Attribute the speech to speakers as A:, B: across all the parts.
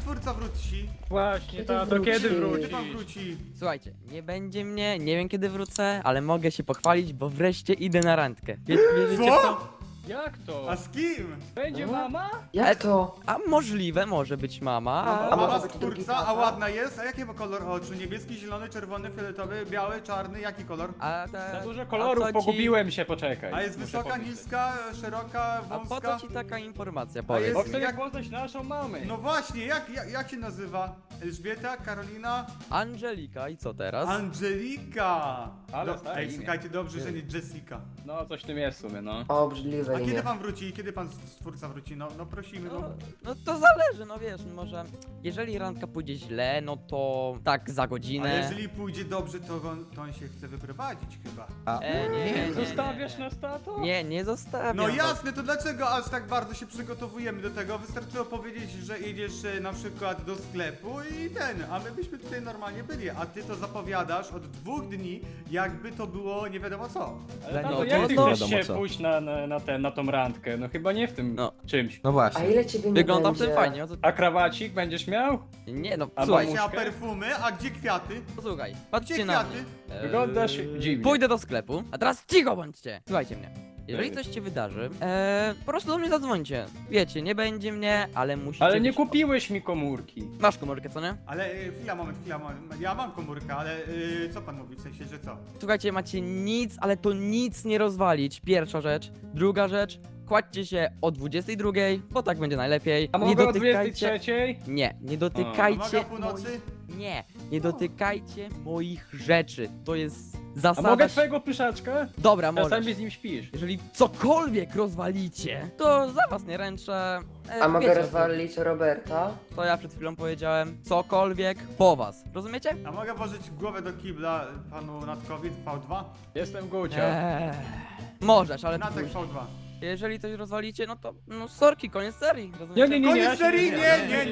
A: stwórca wróci?
B: Właśnie,
C: Kiedy
B: tato,
C: wróci?
B: kiedy
A: Kiedy
B: wrócisz?
A: pan wróci?
D: Słuchajcie, nie będzie mnie, nie wiem kiedy wrócę, ale mogę się pochwalić, bo wreszcie idę na randkę. Wierzycie w
A: Co?
D: to?
B: Jak to?
A: A z kim?
B: Będzie mama?
C: Jak to?
D: A możliwe, może być mama.
A: A
C: może
A: mama
C: być drugi
A: stwórca, a
C: tata?
A: ładna jest? A jaki ma kolor oczu? Niebieski, zielony, czerwony, fioletowy, biały, czarny? Jaki kolor?
D: A
B: Za dużo
D: a
B: kolorów,
D: co ci-
B: pogubiłem się, poczekaj.
A: A jest
B: Muszę
A: wysoka,
B: pomyśleć.
A: niska, szeroka,
D: A po
A: wąska?
D: co ci taka informacja,
A: jest-
D: powiedz
B: Bo
D: mi?
B: chcę
A: jak-
B: poznać naszą mamę.
A: No właśnie, jak się nazywa? Elżbieta, Karolina,
D: Angelika i co teraz?
A: Angelika!
B: Ale stare
A: Ej,
B: imię.
A: słuchajcie, dobrze, że nie Jessica.
B: No, coś w tym jest w sumie, no.
C: Obrzydliwe
A: A kiedy
C: imię.
A: pan wróci? Kiedy pan stwórca wróci? No prosimy,
D: No,
A: no.
D: no to zależy, no wiesz, może jeżeli randka pójdzie źle, no to tak za
A: A
D: godzinę.
A: jeżeli pójdzie dobrze, to on się chce wyprowadzić chyba.
D: Nie.
B: Zostawiasz nas, tato?
D: Nie zostawiam.
A: No jasne, to dlaczego aż tak bardzo się przygotowujemy do tego? Wystarczyło powiedzieć, że idziesz na przykład do sklepu i a my byśmy tutaj normalnie byli, a ty to zapowiadasz od 2 dni, jakby to było nie wiadomo co.
B: Ale
D: No
B: tato,
D: to
B: jak ty
D: no
B: chcesz
E: wiadomo
B: się
E: co.
B: pójść na tą randkę? No chyba nie w tym
D: No.
B: czymś.
E: No
C: A
E: właśnie.
C: ile ciebie nie
D: Wyglądam w
C: będzie?
D: tym fajnie, no to...
B: A krawacik będziesz miał?
D: Nie no,
B: A
D: słuchaj,
A: A
B: mamuszkę?
A: perfumy, a gdzie kwiaty?
D: posłuchaj,
A: Gdzie
D: patrzcie na
A: kwiaty?
D: mnie.
B: Wyglądasz dziwnie.
D: Pójdę do sklepu, a teraz cicho bądźcie. Słuchajcie mnie. Jeżeli coś się wydarzy, po prostu do mnie zadzwońcie. Wiecie, nie będzie mnie, ale musicie...
B: Ale nie
D: być-
B: kupiłeś mi komórki.
D: Masz komórkę, co nie?
A: Ale chwila, moment. Ja mam komórkę, ale co pan mówi? W sensie, że co?
D: Słuchajcie, macie nic, ale to nic nie rozwalić. Pierwsza rzecz. Druga rzecz. Kładźcie się o 22, bo tak będzie najlepiej.
B: A
D: Nie
B: mogę o
D: dotykajcie...
B: 23?
D: Nie
A: Mogę
D: dotykajcie
A: o północy?
D: Nie, nie dotykajcie moich rzeczy. To jest
B: A
D: zasada...
B: mogę twojego pyszaczka?
D: Dobra, możesz.
B: Czasami z nim śpisz.
D: Jeżeli cokolwiek rozwalicie, to za was nie ręczę.
C: A mogę
D: wiecie,
C: rozwalić Roberta?
D: to ja przed chwilą powiedziałem. Cokolwiek po was. Rozumiecie?
A: A mogę włożyć głowę do kibla panu Natkowi V2?
B: Jestem Gucio.
D: Możesz, ale to
A: Natek
D: później.
A: V2.
D: Jeżeli coś rozwalicie, no to no sorki, koniec serii. Rozumiecie?
B: Nie,
A: Koniec
B: ja się
A: serii?
B: nie-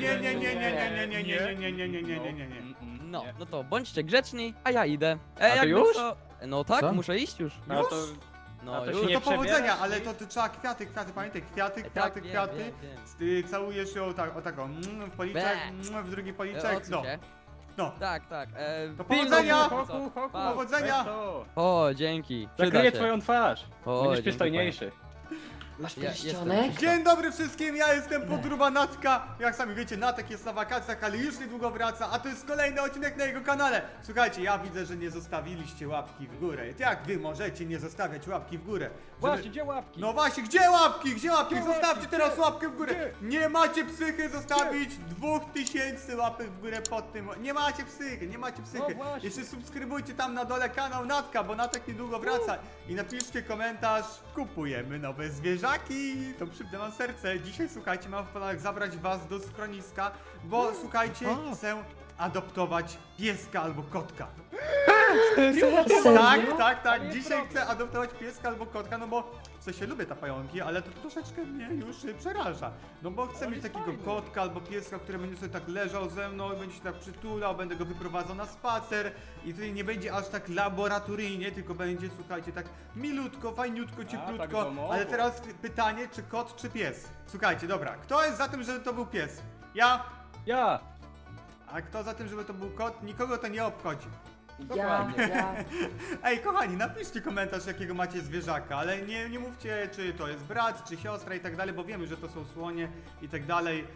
A: Nie.
D: No, no to bądźcie grzeczni, a ja idę.
B: A ty
D: jakby
B: już?
D: Co... No tak,
E: Co?
D: muszę iść już.
B: A to...
D: No
B: a to
D: już.
B: się
A: No
B: nie
A: to powodzenia,
B: przebierasz,
A: ale
B: nie?
A: to trzeba kwiaty, pamiętaj, kwiaty.
D: Tak, wiem, wiem.
A: Ty całujesz ją o tak, w policzek, w drugi policzek,
D: Odsuń
A: no.
D: się.
A: No.
D: Tak, tak.
A: To
D: pilnuj
A: powodzenia!
D: mnie,
B: Hoku,
D: co?
B: hoku,
D: Pa.
A: Powodzenia!
B: weź to.
D: O, dzięki. Przyda
B: Zakryję
D: się.
B: twoją twarz.
D: O,
B: Będziesz
D: dzięki,
B: przystojniejszy.
C: Masz
D: Ja
C: pierścionek?
A: Dzień dobry wszystkim, ja jestem podruba Natka. Jak sami wiecie, Natek jest na wakacjach, ale już niedługo wraca, a to jest kolejny odcinek na jego kanale. Słuchajcie, ja widzę, że nie zostawiliście łapki w górę. Jak wy możecie nie zostawiać łapki w górę?
B: Właśnie, gdzie łapki?
A: No właśnie, gdzie łapki? Gdzie łapki?
B: Gdzie
A: Zostawcie
B: łapki?
A: teraz
B: Gdzie?
A: łapkę w górę.
B: Gdzie?
A: Nie macie psychy zostawić 2000 łapek w górę pod tym. Nie macie psychy, nie macie psychy.
B: No właśnie.
A: Jeszcze subskrybujcie tam na dole kanał Natka, bo Natek niedługo wraca. I napiszcie komentarz, kupujemy nowe zwierzaki. To przypnę wam serce. Dzisiaj, słuchajcie, mam w planach zabrać was do schroniska, bo słuchajcie, chcę adoptować pieska albo kotka.
C: Serio?
A: Tak.
B: Ale jest
A: Dzisiaj
B: problem.
A: chcę adoptować pieska albo kotka, no bo w sensie lubię te pająki, ale to troszeczkę mnie już przeraża. No bo chcę
B: Ale
A: mieć
B: jest
A: takiego
B: fajny.
A: kotka albo pieska, który będzie sobie tak leżał ze mną i będzie się tak przytulał, będę go wyprowadzał na spacer i tutaj nie będzie aż tak laboratoryjnie, tylko będzie, słuchajcie, tak milutko, fajniutko, cieplutko.
B: tak domowo.
A: Ale teraz pytanie, czy kot, czy pies? Słuchajcie, dobra, kto jest za tym, żeby to był pies? Ja.
B: Ja!
A: A kto za tym, żeby to był kot? Nikogo to nie obchodzi.
C: Ja.
A: Ej, kochani, napiszcie komentarz, jakiego macie zwierzaka, ale nie mówcie, czy to jest brat, czy siostra i tak dalej, bo wiemy, że to są słonie i tak dalej,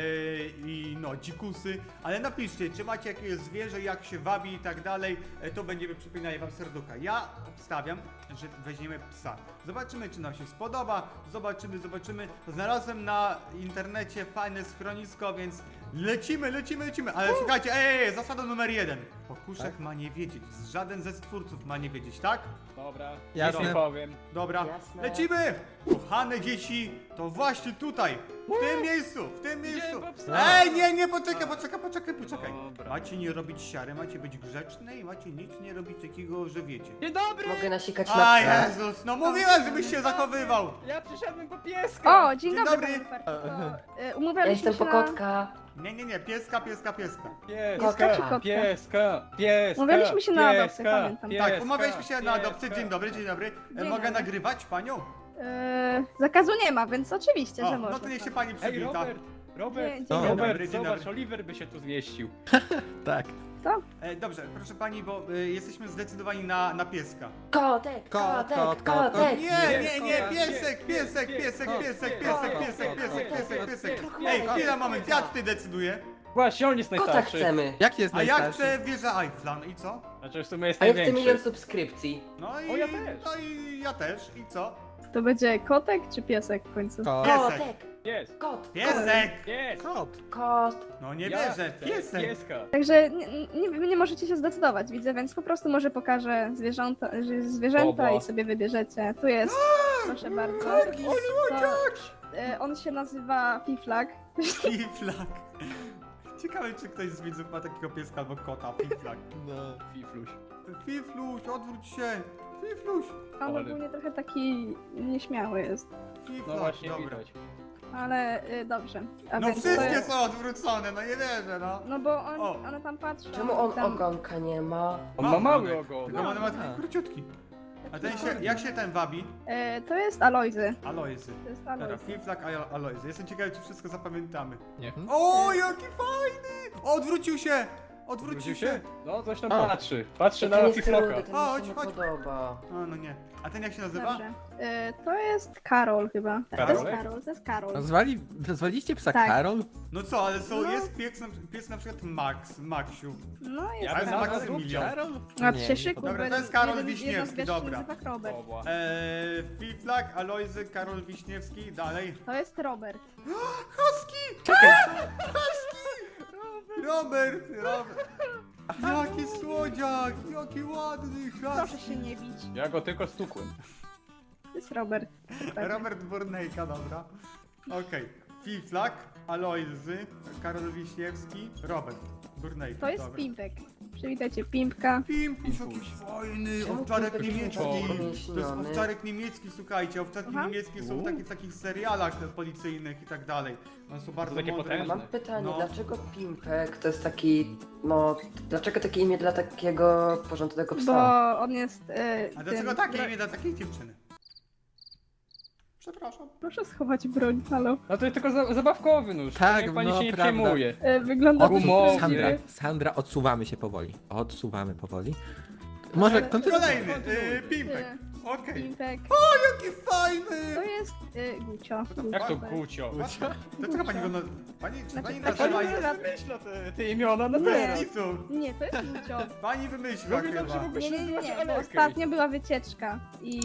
A: i no, dzikusy, ale napiszcie, czy macie jakieś zwierzę, jak się wabi i tak dalej, to będziemy przypinali wam serducha. Ja obstawiam, że weźmiemy psa. Zobaczymy, czy nam się spodoba, zobaczymy. Znalazłem na internecie fajne schronisko, więc lecimy, ale słuchajcie, zasada numer 1. Pokuszek ma nie wiedzieć, żaden ze stwórców ma nie wiedzieć, tak?
B: Dobra,
E: Jasne.
B: nie powiem.
A: Dobra,
C: Jasne.
A: lecimy! Kochane dzieci, to właśnie tutaj, w tym miejscu.
B: po psa.
A: Ej, nie, poczekaj.
B: Dobra.
A: Macie nie robić siary, macie być grzeczne i macie nic nie robić takiego, że wiecie.
B: Dzień dobry!
C: Mogę nasikać na
A: A
C: psa.
A: Jezus, no mówiłem, żebyś się zachowywał!
B: Ja przyszedłem po pieska!
F: O, dzień
A: Dzień
F: dobry,
A: dobry.
F: panie Farciku.
C: Ja
F: Umawialiśmy
C: jestem
F: się
C: po
F: na...
C: kotka.
A: Nie, pieska.
C: Kotka czy
F: kotka?
B: Pieska!
F: Umawialiśmy się na adopcję, pamiętam.
A: Tak, umawialiśmy się na adopcję, dzień dobry.
F: Dzień
A: Mogę
F: dobry.
A: nagrywać panią?
F: Zakazu nie ma, więc oczywiście, że
A: No
F: można.
A: to niech się pani
B: Ej,
A: przywita.
B: Robert! Robert,
F: Dzień
C: dobry.
B: Robert,
A: Dzień
B: zobacz,
A: dobry.
B: Oliver by się tu zmieścił.
C: Tak.
A: Dobrze, proszę pani, bo jesteśmy zdecydowani na pieska.
C: Kot.
A: Nie, piesek, Ej, chwila, moment, ja tutaj decyduję.
B: Właśnie, on jest
E: Kota
B: najstarszy.
E: chcemy.
C: Jak jest
A: A jak
C: najstarszy?
A: chcę wieżę Eiffla, no i co?
B: Znaczy w sumie jest
E: A ja chcę
B: największy.
E: milion subskrypcji.
A: No i,
B: O, ja też.
A: No i ja też, i co?
F: To będzie kotek czy piesek w końcu?
C: Kot.
A: Piesek.
B: Jest,
E: Kot.
A: Piesek!
B: jest.
C: Kot.
E: Kot.
A: No nie
B: Ja
A: wierzę,
B: chcę
A: piesek!
B: Pieska.
F: Także nie możecie się zdecydować, widzę, więc po prostu może pokażę zwierzęta
B: Bobo.
F: i sobie wybierzecie. Tu jest, proszę bardzo.
A: Korgi,
F: On się nazywa Fiflak.
A: Fiflak. Ciekawe, czy ktoś z widzów ma takiego pieska albo kota, Fiflak.
C: No.
B: Fifluś.
A: Fifluś, odwróć się! Fifluś!
F: On
B: Ale-
F: ogólnie trochę taki nieśmiały jest,
A: Fiflak,
B: No właśnie,
A: dobra.
B: widać.
F: ale dobrze. A
A: No
F: więc to
A: wszystkie
F: jest,
A: są odwrócone, no nie wierzę, no.
F: no bo
A: O.
F: one tam patrzą.
E: Czemu on
F: tam,
E: ogonka nie ma?
B: On ma mały
A: ogonek,
B: ogon.
A: Tylko on ma taki
C: A.
A: króciutki. A ten się, jak się ten wabi?
F: To jest Alojzy.
A: Alojzy.
F: To jest
A: Dobra,
F: Alojzy.
A: Fiflak, Alojzy. Jestem ciekawy, czy wszystko zapamiętamy.
C: Nie.
A: O, jaki fajny! Odwrócił się! Odwrócił
B: Wrócił
A: się!
B: się? No, coś tam
C: O.
B: patrzy. Patrzy
E: Ten
B: na
E: jest
B: Fifloka.
E: rudy, ten mi
A: Chodź,
E: się nie
A: chodź.
E: podoba.
A: O, no nie. A ten jak się nazywa?
F: Dobrze. To jest Karol chyba. To jest
B: Karolek?
F: Karol, to jest Karol.
C: Nazwaliście psa
F: Tak.
C: Karol?
A: No co, ale są,
F: No.
A: jest pies na przykład Maxiu.
F: No jest
B: Ja bym
A: Ale
F: Karol.
B: nazwał
A: Maksymilian.
C: Karol?
F: A
C: Nie,
F: ty się
C: nie
F: szykuj,
C: podoba.
A: Dobra,
F: bo
A: to jest Karol
F: jeden z
A: Wiśniewski,
F: zwierząt
A: dobra.
F: nazywa Robert.
B: Obła.
A: Fiflak, Alojzy, Karol Wiśniewski, dalej.
F: To jest Robert.
A: Husky! Robert! Jaki słodziak! Jaki ładny
F: Proszę
A: husky!
F: się nie bić.
B: Ja go tylko stukłem.
F: To jest Robert.
A: Robert Burnejka, dobra. Okej. Fiflak, Alojzy, Karol Wiśniewski, Robert Burnejka,
F: To jest
A: dobra.
F: Pimpek. Przywitajcie Pimpka.
A: Pimpuś, jaki fajny!
E: Czemu
A: Owczarek
E: Pimpek jest
A: niemiecki!
E: taki
A: To jest
E: umieśniony?
A: owczarek niemiecki, słuchajcie, owczarki
F: Aha.
A: niemieckie są w takich serialach policyjnych i tak dalej. One są bardzo
B: takie
A: mądre.
B: potężne.
E: Mam pytanie,
A: No.
E: dlaczego Pimpek to jest taki, no, dlaczego takie imię dla takiego porządnego psa?
F: Bo on jest.
A: A dlaczego takie imię dla takiej dziewczyny? Przepraszam.
F: Proszę schować broń, halo.
B: No to jest tylko zabawkowy nóż.
C: Tak,
B: Niech pani
C: no,
B: się nie
C: prawda.
B: przejmuje.
F: Wygląda
B: Gumowy.
C: Sandra, odsuwamy się powoli. Odsuwamy powoli. Może
F: Ale-
C: kontynuuj.
A: Kolejny, Pimpek. Okej.
F: Pimpek.
A: Jaki fajny!
F: To jest Gucio.
B: Jak to
F: Gucio.
B: Gucio?
A: Dlaczego pani go na... Pani, czy
F: Znaczy,
A: pani
F: tak,
A: nazywa...
F: pani
A: je-
F: nazywa-
B: Wymyśla te imiona na
F: Nie.
B: teraz.
A: Nic.
F: Nie, to jest Gucio.
A: Pani wymyśliła
B: Lubię dobrze,
A: chyba.
B: mogę
F: Nie,
B: się
F: nie,
B: nazywać
F: nie, bo
B: Alerkę.
F: ostatnio była wycieczka i.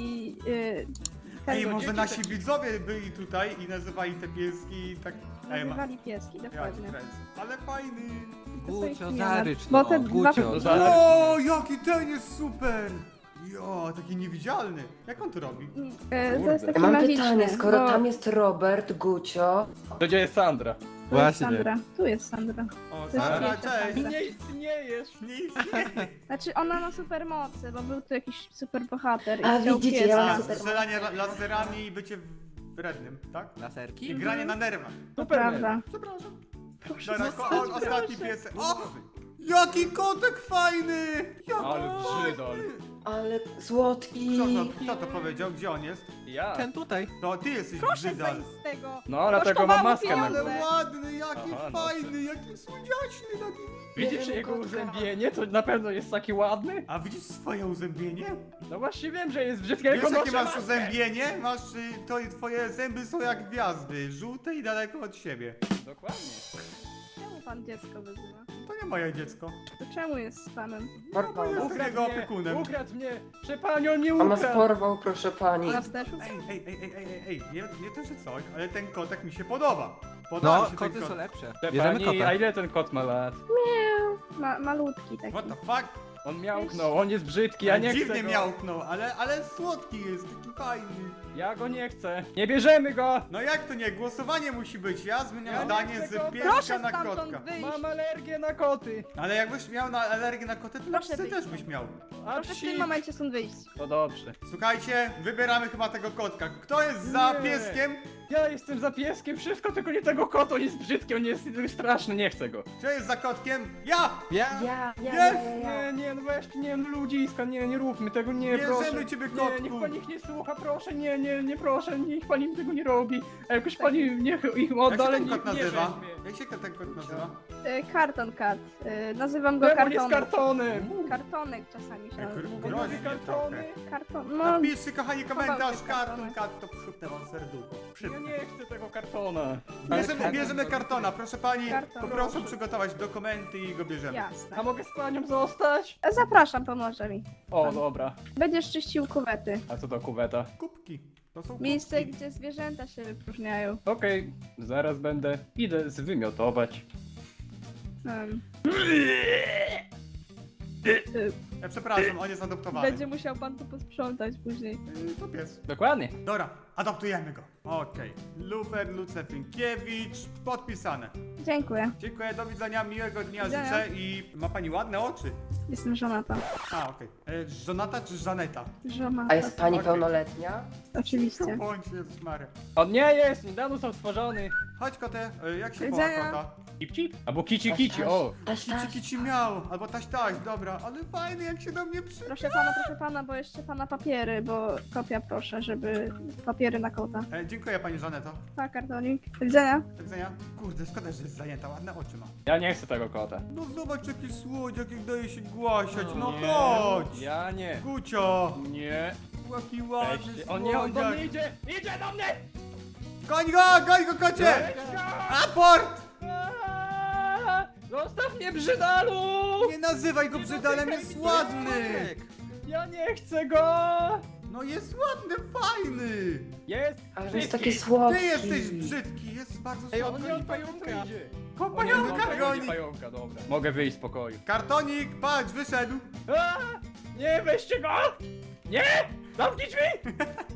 A: Ej,
F: Każdy
A: może nasi widzowie byli tutaj i nazywali te pieski tak... Ej,
F: nazywali pieski,
A: Ja
F: dokładnie.
A: ale fajny.
C: Gucio,
F: Nie,
C: zarycz,
F: bo
C: no,
F: te dwa-
C: Gucio.
B: Zarycz.
A: O, jaki ten jest super! Jo, taki niewidzialny. Jak on to robi?
F: To jest taki
E: Mam
F: magiczny.
E: pytanie, skoro
F: bo...
E: tam jest Robert, Gucio,
B: To gdzie jest Sandra?
F: Tu jest
C: Właśnie.
F: Sandra. Tu jest Sandra.
A: O,
F: To jest
A: Sandra,
F: wielka
A: cześć!
F: Sandra.
B: Nie istniejesz.
A: Nie istnieje.
F: Znaczy ona ma super mocy, bo był tu jakiś super bohater.
E: A,
F: i chciał
E: widzicie,
F: pieska.
E: ja mam
A: A,
E: super
A: strzelanie laserami i bycie wrednym, tak?
C: Laserki?
A: I granie na nerwach.
F: To
B: Superman.
F: prawda.
A: Przepraszam.
F: Proszę
A: Dobra,
F: zostać,
A: ostatni
F: proszę.
A: piesek. O! Jaki kotek fajny! Jaki
B: Ale
A: fajny!
B: brzydol.
E: ale słodki.
A: Kto to powiedział? Gdzie on jest?
B: Ja.
C: Ten tutaj.
A: To ty jesteś
F: Proszę
A: brzydal.
F: zejść z tego.
B: No, dlatego mam maskę na
F: pieniądze.
B: głowie.
A: Ale ładny, jaki
B: Aha, no.
A: fajny, jaki słodziaczny, taki...
B: Widzisz jego uzębienie? To na pewno jest taki ładny?
A: A widzisz swoje uzębienie?
B: No właśnie wiem, że jest brzydki, ale
A: Wiesz
B: go
A: jakie
B: noszę
A: masz
B: maskę.
A: uzębienie? Masz, to i twoje zęby są jak gwiazdy, żółte i daleko od siebie.
B: Dokładnie.
F: Czemu pan dziecko wyzywa?
A: To nie moje dziecko.
F: To czemu jest z panem?
A: Bo jestem jego opiekunem.
B: Ukradł mnie! Przepanią nie
E: On nas
B: ukradł!
E: porwał, proszę pani.
F: Na wsteczu?
A: Ej, nie to, że coś, ale ten kotek mi się podoba. Podoba
C: No,
A: mi się ten
C: koty
A: kot.
C: są lepsze.
B: Przepani,
C: Bierzemy
B: a
C: kota.
B: ile ten kot ma lat?
F: Malutki taki.
A: What the fuck?
B: On miałknął, on jest brzydki, ja nie
A: Dziwnie
B: chcę go.
A: miałknął, ale słodki jest, taki fajny.
B: Ja go nie chcę. Nie bierzemy go!
A: No jak to nie? Głosowanie musi być. Ja zmieniam
B: Ja nie
A: zdanie
B: chcę
A: z
B: go.
A: pieska
F: Proszę
A: na
F: stamtąd
A: kotka.
F: wyjść!
B: Mam alergię na koty!
A: Ale jakbyś miał na alergię na koty, to na
F: Proszę
A: psy
F: wyjść
A: też
F: stąd.
A: byś miał.
B: A
F: Proszę w
B: psi!
F: tym momencie stąd wyjść.
B: To dobrze.
A: Słuchajcie, wybieramy chyba tego kotka. Kto jest za
B: Nie.
A: pieskiem?
B: Ja jestem za pieskiem, wszystko, tylko nie tego kota, on jest brzydki, on jest straszny, nie chcę go.
A: Co jest za kotkiem? Ja!
C: Ja?
B: Nie, no weźcie, nie, no ludziska, nie róbmy tego, nie,
A: Bierzemy
B: proszę.
A: ciebie,
B: Nie,
A: kotku.
B: niech pani ich nie słucha, proszę, nie, proszę, niech pani tego nie robi. A jakoś pani niech ich
A: Jak
B: odda,
A: się
B: ale
A: ten
B: nie,
A: kot
B: nie
A: nazywa?
B: weźmie.
A: Jak się ten kot nazywa?
F: Karton kat. Nazywam go
B: Demon jest
F: kartonem.
B: kartonem.
F: Kartonek czasami się nazywa.
A: Groźnie
B: kartony.
A: trochę.
F: Karton, no.
A: Napiszcie, kochani, komentarz,
F: Chował się
A: karton,
F: kartonek.
A: kat, to przypnę wam serducho.
B: Ja
A: Przypnę.
B: nie chcę tego kartona.
A: Bierzemy kartona, proszę pani,
F: Karton.
A: poproszę przygotować dokumenty i go bierzemy.
F: Jasne.
B: A mogę z panią zostać?
F: Zapraszam, pomoże mi.
B: O, dobra.
F: Będziesz czyścił kuwety.
B: A co to kuweta?
A: Kubki. To są
F: Miejsce,
A: kubki.
F: gdzie zwierzęta się wypróżniają.
B: Okej, zaraz będę. Idę zwymiotować.
F: Um,
A: Ja przepraszam, on jest adoptowany.
F: będzie musiał pan to posprzątać później.
A: To pies.
B: Dokładnie.
A: Dobra, adoptujemy go. Okej. Lufer Lucefinkiewicz, podpisane.
F: Dziękuję.
A: Dziękuję, do widzenia, miłego dnia
F: Widzenia.
A: życzę i ma pani ładne oczy.
F: Jestem żonata.
A: A, okej. Żonata czy Żaneta?
F: Żonata.
E: A jest pani
A: Okej.
E: pełnoletnia?
F: Oczywiście.
A: Bądź Jezus Maria.
B: On nie jest, niedawno został stworzony.
A: Chodź kotę, jak się
F: Do
A: woła
F: widzenia.
A: kota?
B: Cip cip? Albo kici kici, o.
E: Taś,
A: Kici
E: taś.
A: kici miał, albo taś taś, dobra, ale fajny jak się do mnie przy...
F: Proszę pana, bo jeszcze pana papiery, bo kopia proszę, żeby papiery na kota.
A: Dziękuję pani Żaneto.
F: Pa, kartonik. Do widzenia.
A: Do widzenia. Kurde, szkoda, że jest zajęta, ładne oczy ma.
B: Ja nie chcę tego kota.
A: No zobacz jaki słodziak, jak daje się głasiać, no
B: Nie,
A: chodź!
B: Ja nie.
A: Gucio!
B: Nie.
A: Jaki ładny
B: Weźcie. O nie, on do
A: słodziak.
B: mnie idzie! Idzie do mnie!
A: Goń go kocie!
B: Weź go!
A: Aport!
B: Aaaa! Zostaw mnie, brzydalu!
A: Nie nazywaj go brzydalem, jest ładny!
B: Ja nie chcę go!
A: No jest ładny, fajny!
B: Jest!
E: Ale jest
B: brzydki.
E: taki słodki.
A: Ty jesteś brzydki, jest bardzo
C: Ej, on
A: słodki.
B: Nie, on pająka idzie!
A: Ko
B: O nie, on
A: pająka goni!
B: pająka, dobra. Mogę wyjść z pokoju.
A: Kartonik, patrz, wyszedł!
B: Aaaa! Nie, weźcie go! Nie! Zamknij drzwi!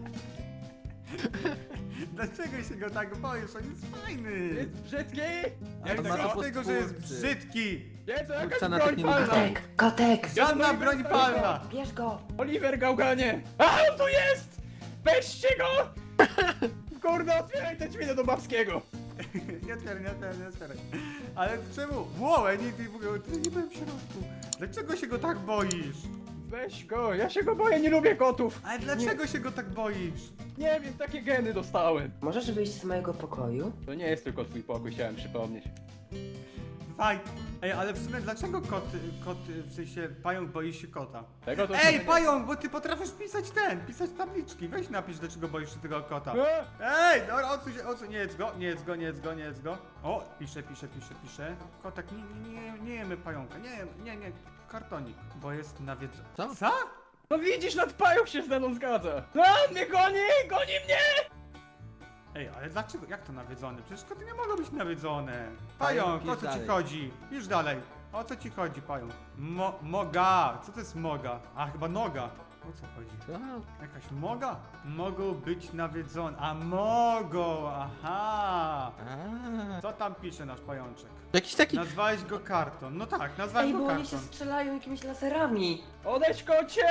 A: Dlaczego się go tak boisz? On jest fajny!
B: Jest brzydki!
C: Ale
B: Nie
C: ma
B: chcę
C: to
B: go!
A: Z tego, że jest
C: twórcy.
A: brzydki!
B: Nie, to jakaś
C: Twórca na
B: broń
C: tak nie lubi
B: palna!
C: bajek.
E: Kotek!
A: Żadna broń palna!
E: Bierz go!
B: Oliver Gałganie! A, on tu jest! Weźcie go! Kurde, otwieraj te drzwi do babskiego!
A: Nie otwieraj. Ale czemu? Włołę, nie w ogóle, ty nie byłem w środku. Dlaczego się go tak boisz?
B: Weź go, ja się go boję, nie lubię kotów!
A: Ale dlaczego się go tak boisz?
B: Nie wiem, takie geny dostałem.
E: Możesz wyjść z mojego pokoju?
B: To nie jest tylko twój pokój, chciałem przypomnieć.
A: Faj. Ej, ale w sumie dlaczego kot, w sensie pająk boi się kota?
B: Tego to
A: Ej, pająk, bo ty potrafisz pisać tabliczki. Weź napisz, dlaczego boisz się tego kota. Ej, dobra, odsuń, nie jedz go. O, pisze. Kotek, nie jemy pająka, nie, kartonik, bo jest nawiedzony.
C: Co?
B: No widzisz, nad pająk się ze mną zgadza. A, on mnie goni mnie!
A: Ej, ale dlaczego, jak to nawiedzony? Przecież koty nie mogą być nawiedzone.
C: Pająk,
A: Pająk, o
C: pisz
A: co ci
C: dalej.
A: chodzi? Pisz dalej. O co ci chodzi, pająk? Moga, co to jest moga? A, chyba noga. O co chodzi?
C: Co?
A: Jakaś moga? Mogą być nawiedzone. A mogą, aha.
C: A,
A: Co tam pisze nasz pajączek?
C: jakiś taki...
A: Nazwałeś go karton. No tak, nazwałem
E: Ej,
A: go
E: bo oni się
A: karton.
E: strzelają jakimiś laserami.
B: Odejdź, kocie!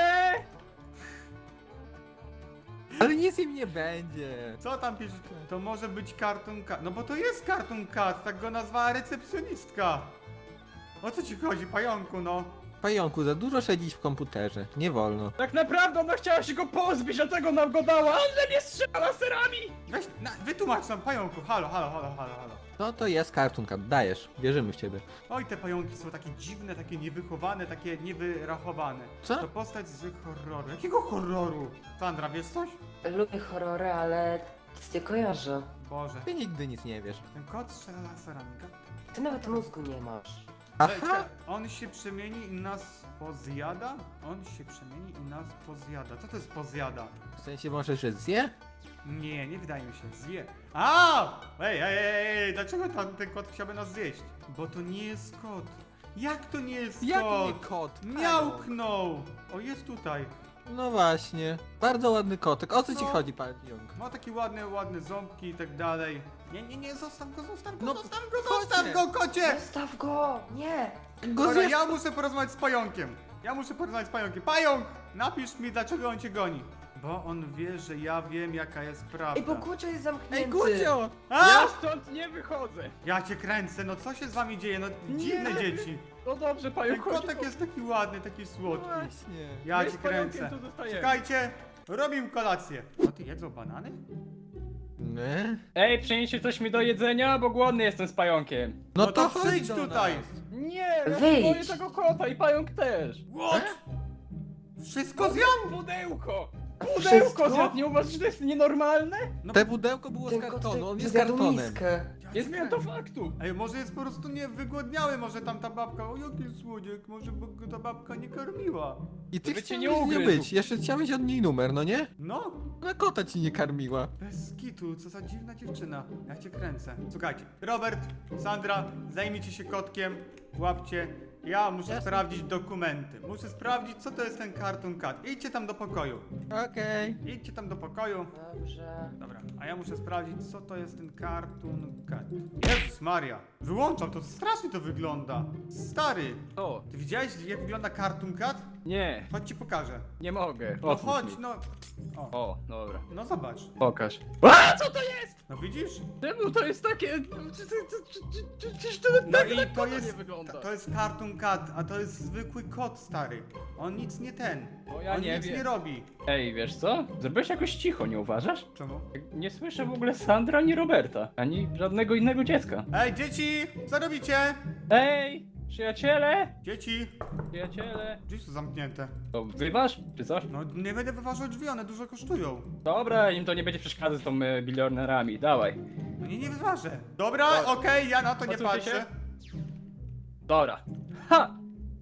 C: Ale nic im nie będzie.
A: Co tam pisze? To może być karton kat. No bo to jest karton kat, tak go nazwała recepcjonistka. O co ci chodzi, pająku, no?
C: Pająku, za dużo siedzieć w komputerze. Nie wolno.
B: Tak naprawdę ona chciała się go pozbyć, dlatego nam go dała, ale mnie strzela laserami!
A: Weź, wytłumacz nam, pająku, halo.
C: No to jest Cartoon Cat, dajesz. Wierzymy w ciebie.
A: Oj, te pająki są takie dziwne, takie niewychowane, takie niewyrachowane.
C: Co?
A: To postać z horroru. Jakiego horroru? Sandra, wiesz coś?
E: Lubię horrory, ale nic nie kojarzę.
A: Boże.
C: Ty nigdy nic nie wiesz.
A: Ten kot strzela laserami.
E: Ty nawet mózgu nie masz.
C: Aha!
A: On się przemieni i nas pozjada? On się przemieni i nas pozjada. Co to jest pozjada?
C: W sensie może, że zje?
A: Nie wydaje mi się. Zje. A! Ej, dlaczego ten kot chciałby nas zjeść? Bo to nie jest kot. Jak to nie jest
C: Jak
A: kot?
C: nie kot?
A: Miałknął! O, jest tutaj.
C: No właśnie. Bardzo ładny kotek. O co ci
A: No.
C: chodzi, pająk?
A: Ma takie ładne ząbki i tak dalej. Nie, zostaw go,
C: No,
A: zostaw
C: kocie.
A: go, kocie!
E: Zostaw go! Nie!
C: Go
A: Dobra,
C: zjesz...
A: ja muszę porozmawiać z pająkiem. Pająk, napisz mi, dlaczego on cię goni. Bo on wie, że ja wiem, jaka jest prawda.
E: Ej, bo Gucio jest zamknięty.
C: Ej, Gucio!
A: A!
B: Ja stąd nie wychodzę.
A: Ja cię kręcę, no co się z wami dzieje? No dziwne dzieci.
B: No dobrze,
A: Ten
B: pająk, chodź.
A: kotek jest taki ładny, taki słodki.
C: Właśnie.
A: Ja
B: My
A: cię
B: z pająkiem
A: kręcę.
B: tu zostajemy.
A: Czekajcie, robimy kolację. O, ty jedzą banany?
C: Nie?
B: Ej, przynieście coś mi do jedzenia, bo głodny jestem z pająkiem.
A: No to
C: chodź
A: przyjdź
C: do
A: tutaj.
C: nas.
B: Nie, ja się
E: Wyjdź.
B: boję tego kota i pająk też.
A: What? Wszystko zjadł?
B: Pudełko!
E: Wszystko?
B: Pudełko zjadł, nie uważasz, że to jest nienormalne?
A: No,
C: Te pudełko było z
E: Ten kot
C: kartonu, on jest
E: zjadł
C: kartonem.
E: miskę.
A: ja
B: Nie
A: cię
B: zmieniam to
A: kręcę.
B: faktu.
A: Ej, może jest po prostu nie wygłodniały, może tam ta babka, o jaki słodziek, może by go ta babka nie karmiła.
C: I ty
B: By cię
C: chciałeś
B: nie
C: nie
B: ugryzł.
C: być, jeszcze chciałeś od niej numer, no nie?
A: No,
C: Na kota ci nie karmiła.
A: bez kitu, co za dziwna dziewczyna. Ja cię kręcę. Słuchajcie, Robert, Sandra, zajmijcie się kotkiem, łapcie. Ja muszę sprawdzić dokumenty. Muszę sprawdzić, co to jest ten Cartoon Cat. Idźcie tam do pokoju.
C: Okej.
A: Idźcie tam do pokoju.
E: Dobrze.
A: Dobra, a ja muszę sprawdzić, co to jest ten Cartoon Cat. Jezus Maria, wyłączam to, strasznie to wygląda. Stary,
B: O,
A: ty widziałeś, jak wygląda Cartoon Cat?
B: nie,
A: Chodź ci pokażę.
B: nie mogę.
A: No
B: Otwórz
A: chodź,
B: mi.
A: no. O,
B: O, dobra.
A: no zobacz.
B: Pokaż. A, co to jest?
A: No widzisz?
B: Czemu to jest takie... Czyż to
A: No
B: tak
A: i
B: na
A: to
B: kota
A: jest,
B: nie wygląda?
A: to jest Cartoon Cat, a to jest zwykły kot, stary. On nic nie ten.
B: O, ja
A: On
B: nie
A: nic
B: wiem.
A: nie robi.
B: Ej, wiesz co? Zrobiłeś jakoś cicho, nie uważasz?
A: Czemu?
B: Nie słyszę w ogóle Sandra ani Roberta, ani żadnego innego dziecka.
A: Ej, dzieci! Co robicie?
B: Ej, przyjaciele!
A: Dzieci!
B: Przyjaciele!
A: Drzwi są zamknięte.
B: To wyważ, czy coś?
A: No nie będę wyważał drzwi, one dużo kosztują.
B: Dobra, im to nie będzie przeszkadzać z tą bilionerami, dawaj.
A: No nie wyważę. Dobra,
B: Dobra.
A: okej, ja na to nie
B: Odsuńcie
A: patrzę.
B: się. Dobra. Ha!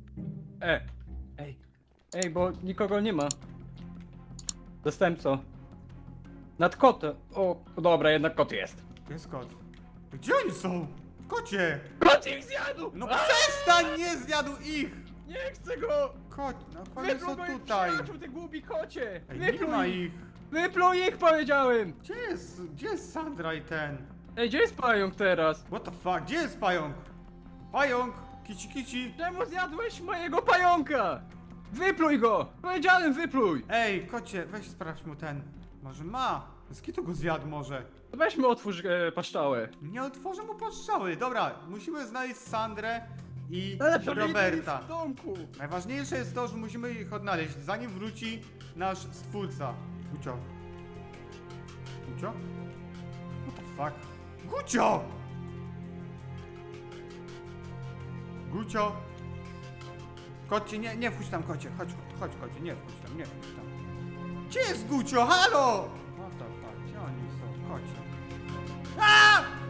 B: Ej. Ej, bo nikogo nie ma. Zastępco. Nad kotem. O, dobra, jednak kot jest.
A: Jest kot. Gdzie oni są? Kocie!
B: Kot ich zjadł!
A: No
B: A!
A: przestań, nie zjadł ich!
B: Nie chcę go!
A: Kot, no oni
B: Wypluj
A: są
B: moich
A: tutaj.
B: przyjaciół, ty głupi kocie!
A: Ej, nie ma
B: Wypluj ich!
A: ich.
B: Wypluj ich, powiedziałem!
A: Gdzie jest Sandra i ten?
B: Ej, gdzie jest pająk teraz?
A: What the fuck, gdzie jest pająk? Pająk! Kici kici!
B: Czemu zjadłeś mojego pająka? Wypluj go! Powiedziałem, wypluj!
A: Ej, kocie, weź sprawdź mu ten. Może ma? Z kitu go zjadł może.
B: Weźmy otwórz paszczałę.
A: Nie otworzę mu postrzały. Dobra, musimy znaleźć Sandrę i
B: Ale
A: Roberta.
B: w domku!
A: Najważniejsze jest to, że musimy ich odnaleźć, zanim wróci nasz stwórca. Gucio. Gucio? What the fuck? Gucio! Gucio! Kocie, nie wchodź tam, kocie. Chodź, kocie, nie wchodź tam, nie wchodź tam. Gdzie jest Gucio? Halo! What the fuck? Gdzie oni są? Kocie. A!